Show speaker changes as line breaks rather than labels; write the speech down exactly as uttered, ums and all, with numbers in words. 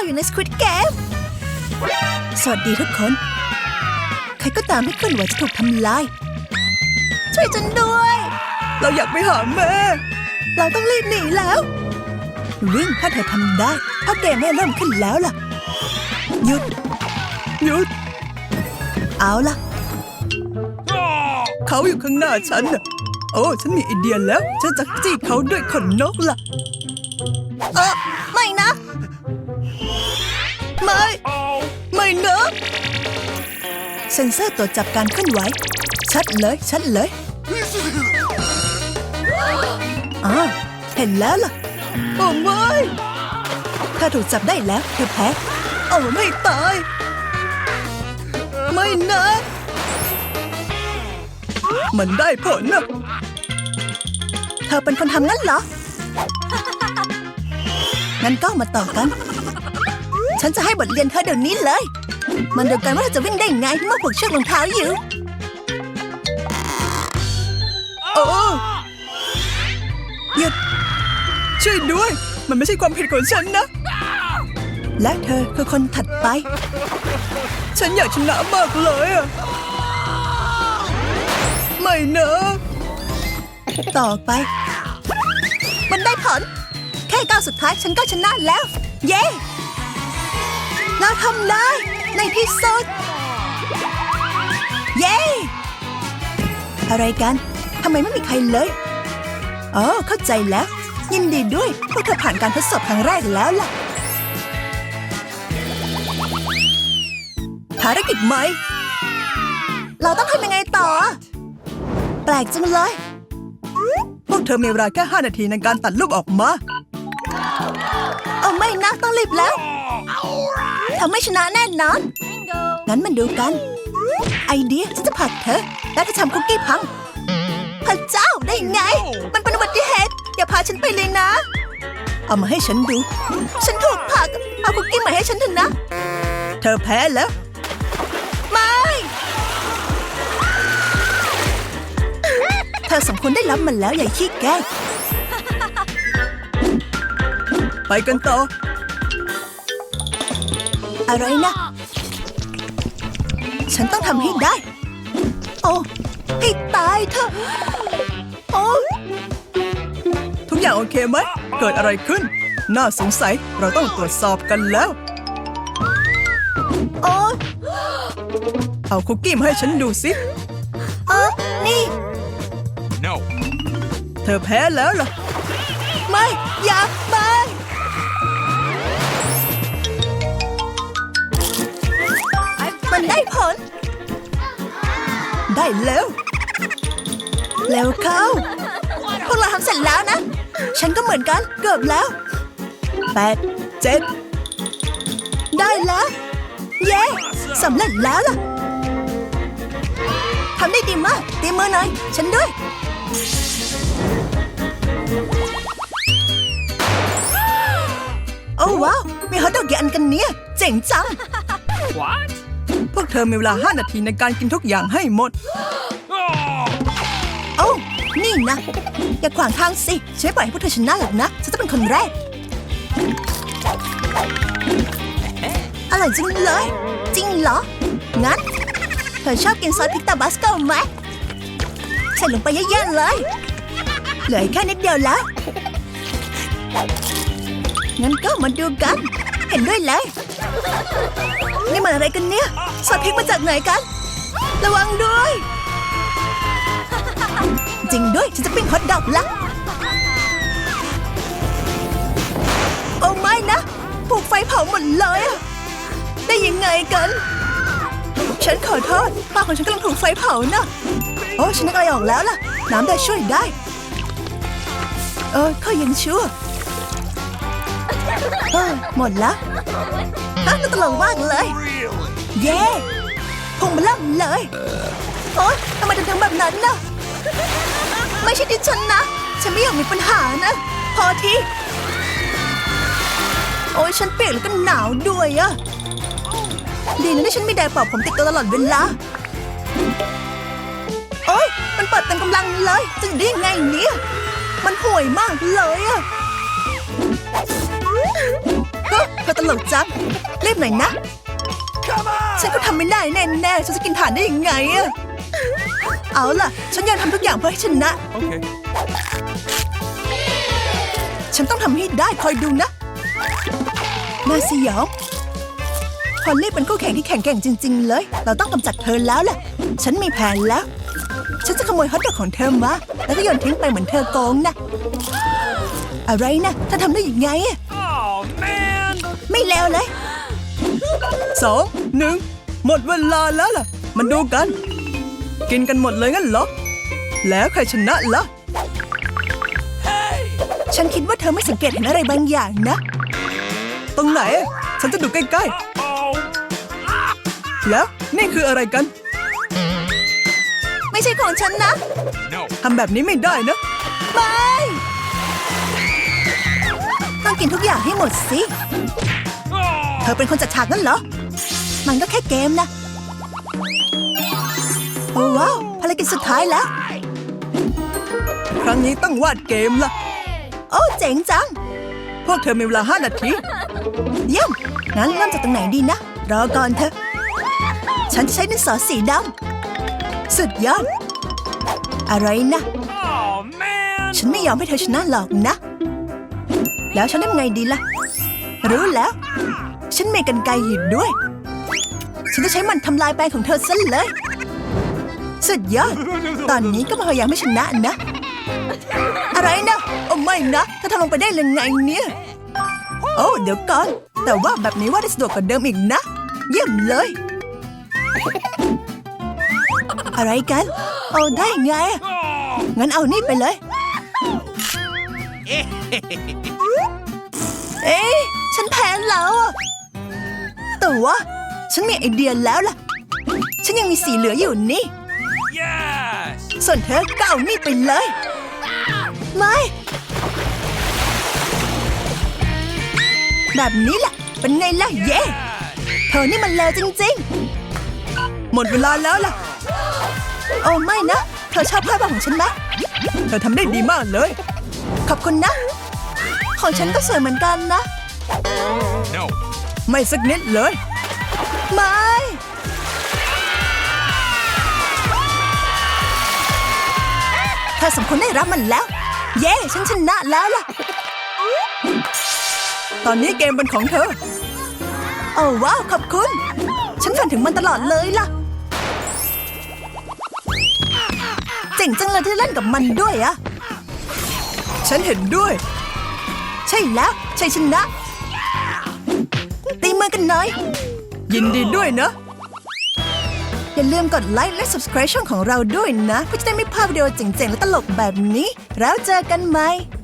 อยู่ใน Squid Game สวัสดีทุกคนใครก็ตามที่เคลื่อนไหวจะถูกทำลายช่วยฉันด้วยเราอยากไปหาแม่เราต้องรีบหนีแล้ววิ่งถ้าเธอทำได้เพราะเกมไม่เริ่มขึ้นแล้วล่ะหยุดหยุดเอาล่ะเขาอยู่ข้างหน้าฉันน่ะโอ้ฉันมีไอเดียแล้วฉันจะจี้เขาด้วยขนนกล่ะเออไม่นะไม่ไม่นะเซ็นเซอร์ตรวจจับการเคลื่อนไหวชัดเลยชัดเลยอ่าเห็นแล้วล่ะโอ้ไม่ถ้าถูกจับได้แล้วเธอแพ้โอ้ไม่ตายไม่นะมันได้ผลนะเธอเป็นคนทำงั้นเหรองั้นก็มาต่อกันฉันจะให้บทเรียนเธอเดี๋ยวนี้เลยมันเดียวกันว่าเธอจะวิ่งได้ไงเมื่อผูกเชือกรองเท้าอยู่โอ้หยุดช่วยด้วยมันไม่ใช่ความผิดของฉันนะและเธอคือคนถัดไปฉันอยากชนะมากเลยอะไม่นะต่อไปมันได้ผลแค่ก้าวสุดท้ายฉันก็ชนะแล้วเย้เราทำได้ในที่สุดเย้อะไรกันทำไมไม่มีใครเลยอ๋อเข้าใจแล้วยินดีด้วยพวกเธอผ่านการทดสอบครั้งแรกแล้วล่ะภารกิจใหม่เราต้องทำยังไงต่อแปลกจังเลยพวกเธอมีเวลาแค่ห้านาทีในการตัดรูปออกมาเอาไม่นะต้องรีบแล้วทำไม่ชนะแน่นอนงั้นมันดูกันไอเดียฉันจะผลักเธอและจะทำคุกกี้พังพระเจ้าได้ไงมันเป็นอุบัติเหตุอย่าพาฉันไปเลยนะเอามาให้ฉันดูฉันถูกผลักเอาคุกกี้มาให้ฉันเถอะนะเธอแพ้แล้วไม่เธอสมควรได้รับมันแล้วอย่าขี้แกล้งไปกันต่ออะไรนะฉันต้องทำให้ได้โอ้ให้ตายเถอะโอ้ทุกอย่างโอเคไหมเกิดอะไรขึ้นน่าสงสัยเราต้องตรวจสอบกันแล้วโอ้เอาคุกกี้มาให้ฉันดูสิเออนี่
No
เธอแพ้แล้วเหรอไม่อย่าไปมันได้ผลได้แล้วเร็วเข้าพวกเราทำเสร็จแล้วนะฉันก็เหมือนกันเกือบแล้วแปดเจ็ดได้แล้วเย้สำเร็จแล้วล่ะทำได้ดีมากตีมือหน่อยฉันด้วยโอ้ว้าวมีฮอทดอกกี่อันกันเนี่ยเจ๋งจัง
What
พวกเธอมีเวลาห้านาทีในการกินทุกอย่างให้หมดโอ้นี่นะอย่าขวางทางสิฉันไม่ปล่อยให้พวกเธอชนะหรอกนะฉันจะเป็นคนแรกอร่อยจริงเลยจริงเหรองั้นเธอชอบกินซอสพริกตาบาสโกไหมใส่ลงไปเยอะๆเลยเหลือแค่นิดเดียวแล้วงั้นก็มาดูกันเห็นด้วยเลยนี่มันอะไรกันเนี่ยซอสพริกมาจากไหนกันระวังด้วยจริงด้วยฉันจะปิ้งฮอทดอกละโอ้ไม่นะถูกไฟเผาหมดเลยอะได้ยังไงกันฉันขอโทษป้าของฉันกำลังถูกไฟเผานะโอ้ฉันนึกอะไรออกแล้วล่ะน้ำได้ช่วยได้เออเขายังชั่วเออหมดละฮะน่าตลกมากเลยเย้พุงมันเริ่มเลยโอ๊ยทำไมถึงทำแบบนั้นน่ะไม่ใช่ดิฉันนะฉันไม่อยากมีปัญหานะพอทีโอ๊ยฉันเปียกแล้วก็หนาวด้วยอะดีนะที่ฉันมีไดร์เป่าผมติดตัวตลอดเวลาโอ๊ยมันเปิดเต็มกำลังเลยจะอยู่ได้ยังไงเนี่ยมันห่วยมากเลยอะขอตลกจังรีบหน่อยนะ ฉันก็ทำไม่ได้แน่ๆฉันจะกินถ่านได้ยังไงอะเอาล่ะ ฉันอยากทำทุกอย่างเพื่อให้ชนะ
Okay.
ฉันต้องทำให้ได้คอยดูนะน่าสยองพอลลี่เป็นคู่แข่งที่แข็งแกร่งจริง ๆ เลย เราต้องกำจัดเธอแล้วล่ะ ฉันมีแผนแล้ว ฉันจะขโมยฮอตดอกของเธอมาแล้วก็โยนทิ้งไปเหมือนเธอโกงนะอะไรนะเธอทำได้ยังไงอะ
Oh, man.
ไม่แล้วเลยสองหนึ่งหมดเวลาแล้วล่ะมันดูกัน กินกันหมดเลยงั้นเหรอแล้วใครชนะล่ะ ฉันคิดว่าเธอไม่สังเกตเห็นอะไรบางอย่างนะ ตรงไหน ฉันจะดูใกล้
Oh.
ๆ แล้วนี่คืออะไรกัน ไม่ใช่ของฉันนะ
No.
ทำแบบนี้ไม่ได้นะไม่ต้องกินทุกอย่างให้หมดสิ เธ
Oh.
อเป็นคนจัดฉากนั่นเหรอ มันก็แค่เกมนะ โอ้ว้าวภารกิจสุดท้ายแล้ว ครั้งนี้ต้องวาดเกมล่ะ โอ้เจ๋งจัง พวกเธอมีเวลาห้านาที เยี่ยม งั้นเริ่มจากตรงไหนดีนะ รอก่อนเถอะ ฉันจะใช้ดินสอสีดำ สุดยอด อะไรนะ
Oh, man.
ฉันไม่ยอมให้เธอชนะหรอกนะ แล้วฉันทำไงดีล่ะ รู้แล้ว ฉันมีกรรไกรอยู่ด้วย ฉันจะใช้มันทำลายแปลงของเธอซะเลย สุดยอด ตอนนี้ก็มาพยายามให้ชนะนะ อะไรนะ โอ้ไม่นะเธอทำลงไปได้ยังไงเนี่ย โอ้เดี๋ยวก่อน แต่ว่าแบบนี้ว่าได้สะดวกกว่าเดิมอีกนะ เยี่ยมเลย อะไรกัน เอาได้ไง
Oh.
งั้นเอานี่ไปเลย เอ๊ะ ฉันแพ้แล้วอะแต่ว่าฉันมีไอเดียแล้วล่ะ ฉันยังมีสีเหลืออยู่นี่
Yes.
ส่วนเธอก็เอานี่ไปเลย ไม่ แบบนี้แหละ เป็นไงล่ะ เย่เธอนี่มันเลวจริงๆ หมดเวลาแล้วล่ะ โอ้ไม่นะ เธอชอบภาพวาดของฉันไหม เธอทำได้ดีมากเลย ขอบคุณนะ ของฉันก็สวยเหมือนกันนะ
No.
ไม่สักนิดเลย ไม่เธอสมควรได้รับมันแล้ว เย้ฉันชนะแล้วล่ะ ตอนนี้เกมเป็นของเธอ โอ้ว้าวขอบคุณ ฉันฝันถึงมันตลอดเลยล่ะ เจ๋งจังเลยที่เล่นกับมันด้วยอะฉันเห็นด้วย ใช่แล้วชัยชนะ ตีมือกันหน่อย ยินดีด้วยนะ อย่าลืมกดไลค์และ ซับสไครบ์ ช่องของเราด้วยนะ เพื่อจะได้ไม่พลาดวิดีโอเจ๋งๆและตลกแบบนี้ แล้วเจอกันใหม่